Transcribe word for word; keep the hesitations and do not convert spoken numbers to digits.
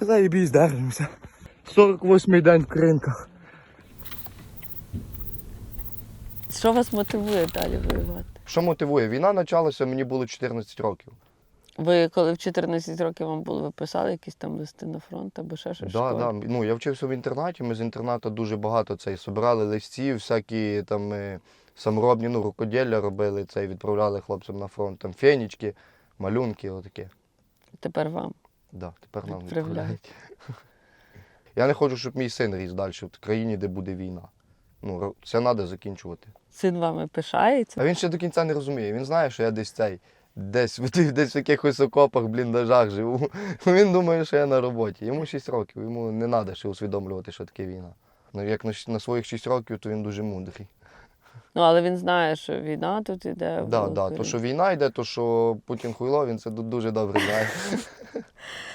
заєбісь, держимося. сорок восьмий день в кринках. Що вас мотивує далі воювати? Що мотивує? Війна почалася, мені було чотирнадцять років. Ви коли в чотирнадцять років вам було, ви писали якісь там листи на фронт або ще щось? Да, да. Ну, я вчився в інтернаті, ми з інтернату дуже багато цей собирали листів, всякі там е, саморобні, ну, рукоділля робили, цей, відправляли хлопцям на фронт, там фенічки, малюнки, отаке. Тепер вам. Да, тепер нам Відправляють. відправляють. Я не хочу, щоб мій син ріс далі в країні, де буде війна. Ну, ро- це треба закінчувати. Син вами пишається. А він ще до кінця не розуміє. Він знає, що я десь цей, десь, в тих- десь в якихось окопах, бліндажах живу. Він думає, що я на роботі. Йому шість років, йому не треба ще усвідомлювати, що таке війна. Ну, як на, щ- на своїх шість років, то він дуже мудрий. Ну, але він знає, що війна тут іде. Так, в да, да. Україні. То, що війна йде, то, що Путін хуйло, він це ду- дуже добре знає.